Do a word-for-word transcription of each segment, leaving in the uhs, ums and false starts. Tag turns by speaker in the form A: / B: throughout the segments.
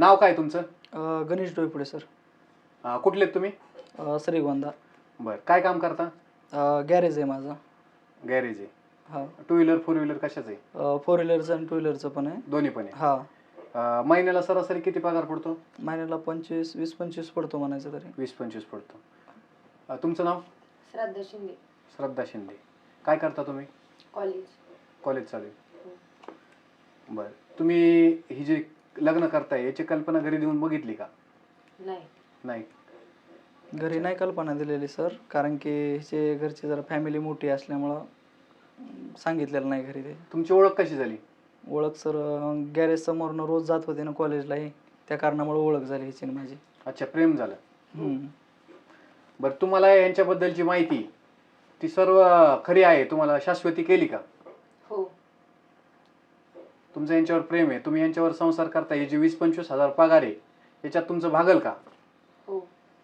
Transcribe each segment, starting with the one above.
A: नाव काय तुमचं?
B: अ, गणेश डोईफोडे सर.
A: अं, कुठले आहेत तुम्ही?
B: अ, श्रीगोंदा.
A: बरं, काय काम करता?
B: अ, गॅरेज आहे माझं.
A: गॅरेज आहे.
B: हा.
A: टू व्हीलर फोर व्हीलर कशाचं आहे?
B: अ, फोर व्हीलरचं आणि टू व्हीलरचं पण आहे.
A: दोन्ही पण आहे.
B: हा.
A: अं, महिन्याला सरासरी किती पगार पडतो?
B: महिन्याला पंचवीस वीस पंचवीस पडतो म्हणायचं तरी.
A: वीस पंचवीस पडतो. अं, तुमचं नाव?
C: श्रद्धा शिंदे.
A: श्रद्धा शिंदे. काय करता तुम्ही?
C: कॉलेज.
A: कॉलेज चालू आहे.
C: हो.
A: बरं, तुम्ही ही जी लग्न करताय याची कल्पना घरी देऊन बघितली का?
C: नाही.
A: नाही.
B: घरी नाही कल्पना दिलेली सर, कारण की हिचे घरची जरा फॅमिली मोठी असल्यामुळं अं, सांगितलेलं नाही घरी ते.
A: तुमची ओळख कशी झाली?
B: ओळख सर, गॅरेज समोरनं रोज जात होते ना कॉलेजलाही, त्या कारणामुळे ओळख झाली हिची आणि माझी.
A: अच्छा, प्रेम झालं.
B: हम्म.
A: बरं, तुम्हाला यांच्याबद्दलची माहिती ती सर्व खरी आहे, तुम्हाला शाश्वती केली का?
C: हो.
A: तुमचं यांच्यावर प्रेम आहे, तुम्ही यांच्यावर संसार करता, हे जे वीस पंचवीस हजार पगार आहे याच्यात तुमचं भागल का?
C: हो.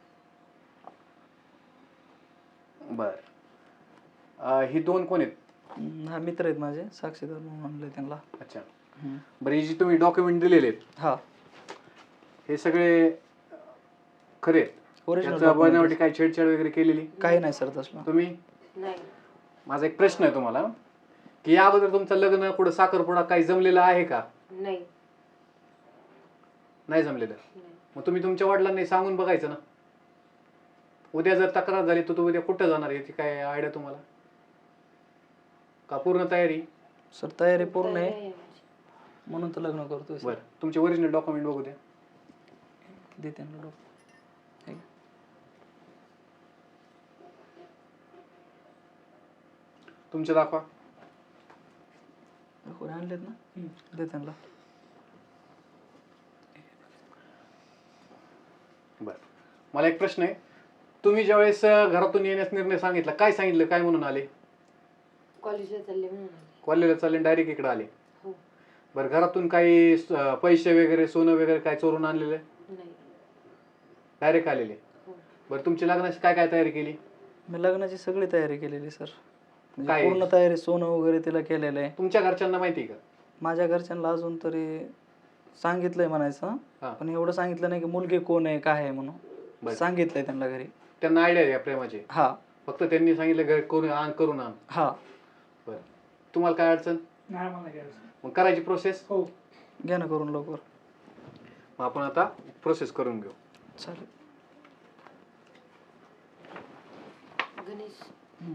A: बर, ही दोन कोण आहेत?
B: हम्म, हा मित्र आहेत माझे, साक्षीदार म्हणून आणले त्यांना.
A: अच्छा.
B: हम्म.
A: बरं, हे जे तुम्ही डॉक्युमेंट दिलेले आहेत
B: हा.
A: हे सगळे खरे आहेत?
B: ओरिजिनल
A: त्याचं बनावटी काय छेडछाड वगैरे केलेली?
B: काही नाही सर तसलं.
A: तुम्ही?
C: नाही.
A: माझा एक प्रश्न आहे तुम्हाला, की या अगोदर तुमचं लग्न कुठं साखरपुडा काही जमलेलं आहे का?
C: नाही.
A: नाही जमलेलं.
C: नाही.
A: मग तुम्ही तुमच्या वडिलांनी सांगून बघायचं ना. उद्या जर तक्रार झाली तर तू उद्या कुठं जाणार याची काय आयडिया तुम्हाला? का पूर्ण तयारी?
B: सर तयारी पूर्ण
C: तयारी
B: आहे,
C: आहे माझी.
B: म्हणून तर लग्न करतोय सर.
A: बरं, तुमचे ओरिजिनल डॉक्युमेंट बघू द्या.
B: दे त्यांना डॉक्टर.
A: तुमचे दाखवा.
B: कोणी आणलेत ना, दे त्यांना.
A: बरं, मला एक प्रश्न आहे, तुम्ही ज्यावेळेस अं, घरातून येण्यास निर्णय सांगितला, काय सांगितलं, काय म्हणून आले?
C: कॉलेजला चालले म्हणून आले.
A: कॉलेजला चालले डायरेक्ट इकडे आले?
C: हो.
A: बरं, घरातून काही अं, पैसे वगैरे सोनं वगैरे काय चोरून आणलेले?
C: नाही.
A: डायरेक्ट आलेले?
C: हो.
A: बरं, तुमची लग्नाची काय काय तयारी केली?
B: मी लग्नाची सगळी तयारी केलेली सर, म्हणजे
A: काय?
B: पूर्ण तयारी, सोनं वगैरे तिला केलेलं आहे.
A: तुमच्या घरच्यांना माहिती आहे का?
B: माझ्या घरच्यांना अजून तरी सांगितलंय म्हणायचं,
A: हा.
B: पण एवढं सांगितलं नाही की मुलगी कोण आहे काय आहे म्हणून.
A: बरं.
B: सांगितलंय त्यांना घरी.
A: त्यांना आयडिया आहे या प्रेमाची?
B: हा.
A: फक्त त्यांनी सांगितलं घर करून आण, करून आण.
B: हा.
A: बरं, तुम्हाला काय अडचण?
D: नाही मला घ्यायचं.
A: मग करायची प्रोसेस?
D: हो.
B: घ्या ना करून लवकर.
A: मग आपण आता प्रोसेस करून घेऊ.
B: चालेल.
C: गणेश,
B: हम्म.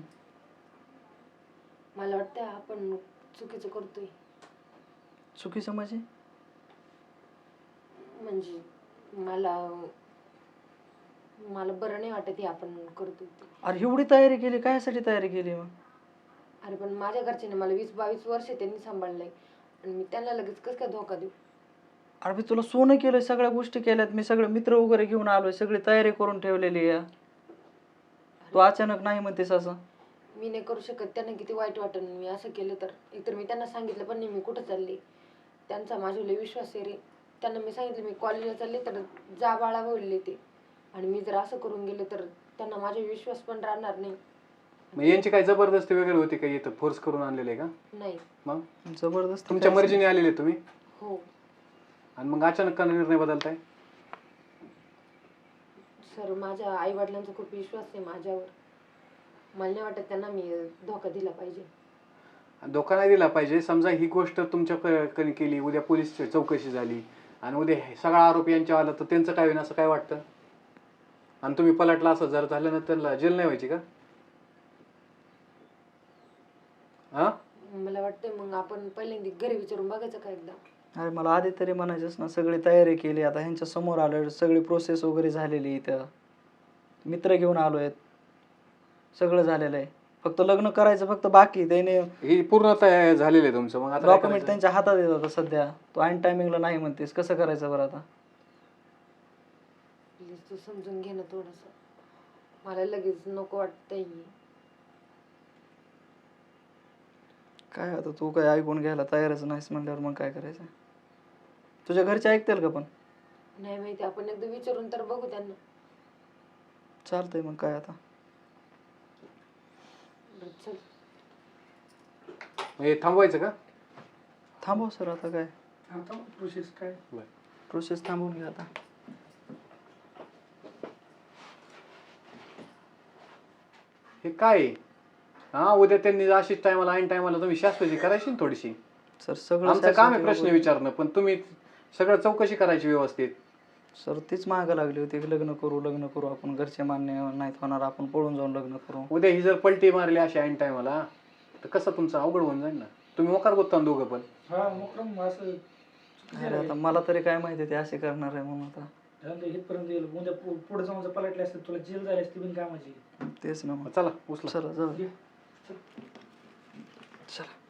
C: मला वाटतं आपण चुकीचं करतोय.
B: चुकीचं म्हणजे?
C: म्हणजे मला मला बरं नाही वाटत हे आपण करतोय ते.
B: अरे एवढी तयारी केली, कायसाठी तयारी केली मग?
C: अरे पण माझ्या घरच्याने मला वीस बावीस वर्ष त्यांनी सांभाळलंय आणि मी त्यांना लगेच कसं काय धोका देऊ?
B: अरे मी तुला सोनं केलंय, सगळ्या गोष्टी केल्यात, मी सगळे मित्र वगैरे घेऊन आलोय, सगळी तयारी करून ठेवलेली आहे. तू अचानक नाही म्हणतेस असं?
C: मी नाही करू शकत, त्यांना किती वाईट वाटेल मी असं केलं तर. एकतर मी त्यांना सांगितलं पण नाही मी कुठं चालले. त्यांचा माझ्यावर लय विश्वास आहे रे. त्यांना मी सांगितलं मी कॉलेजला चालले तर जा बाळा बोलले ते, आणि मी जर असं करून गेले तर त्यांना माझा विश्वास पण राहणार नाही.
A: मग यांची काय जबरदस्ती वगैरे होती का, इथं फोर्स करून आणलेले आहे का?
C: नाही.
A: मग
B: जबरदस्त
A: तुमच्या मर्जीने आलेले तुम्ही?
C: हो.
A: आणि मग अचानक का निर्णय बदलताय?
C: सर माझ्या आई वडिलांचा खूप विश्वास आहे माझ्यावर. मला नाही वाटत त्यांना मी धोका दिला पाहिजे.
A: धोका नाही दिला पाहिजे. समजा ही गोष्ट तुमच्याकडे केली, उद्या पोलीस चौकशी झाली आणि उद्या हे सगळा आरोप यांच्या आला तर त्यांचं काय होईल असं काय वाटतं? आणि तुम्ही पलटला, असं जर झालं ना त्यांना जेल नाही व्हायची का? हा,
C: मला वाटतंय मग आपण पहिल्यांदा घरी विचारून बघायचं का एकदा.
B: अरे मला आधी तरी म्हणायचंच ना, सगळी तयारी केली, आता ह्यांच्या समोर आलोय, सगळी प्रोसेस वगैरे झालेली, इथं मित्र घेऊन आलोय, सगळं झालेलं आहे, फक्त लग्न करायचं फक्त बाकी. त्याने
A: ही पूर्ण तयार झालेलं आहे तुमचं, मग आता काय
B: डॉक्युमेंट
A: करायचं?
B: त्यांच्या हातात येत आता सध्या. तो ऐन टायमिंगला नाही म्हणतेस, कसं करायचं बरं आता?
C: प्लीज तू समजून घे ना थोडंसं. मला लगेच नको वाटतंय.
B: काय आता तू काय ऐकून घ्यायला तयारच नाहीस म्हणल्यावर मग काय करायचं? तुझ्या घरचे ऐकतील का पण?
C: नाही माहिती, आपण एकदा विचारून तर बघू त्यांना.
B: चालतंय मग काय आता.
C: बरं, चल.
A: मग हे थांबवायचं का?
B: थांबव सर आता काय.
D: आता प्रोसेस काय?
A: बरं.
B: प्रोसेस थांबवून घ्या आता.
A: हे काय आहे? हा उद्या त्यांनी अशीच टायमाला ऐन टायमाला तुम्ही शास्त्राची करायची ना थोडीशी.
B: सर सगळं
A: आमचं काम आहे
B: शासकीय
A: प्रश्न
B: वगैरे-
A: विचारणं, पण तुम्ही सगळं चौकशी करायची व्यवस्थित.
B: सर तीच मागं लागली होती की लग्न करू लग्न करू आपण, घरचे मान्य नाहीत होणार, आपण पळून जाऊन लग्न करू.
A: उद्या ही जर पलटी मारली अशी ऐन टायमाला तर कसं तुमचं अवघड होऊन जाईल ना. तुम्ही मोकार गोत्ता दोघं पण.
D: हा मुक्रम असं चुकीचं
B: अरे
D: आहे.
B: आता मला तरी काय माहिती ते असे करणार आहे म्हणून. आता
D: धंदे इथपर्यंत येईल, उद्या पु- पुढे जाऊन जर पलटले असते तुला जेल झाली असती बिन कामाची.
B: तेच ना मग.
A: चला उचला.
B: चला जाऊ.
D: घे.
B: चला.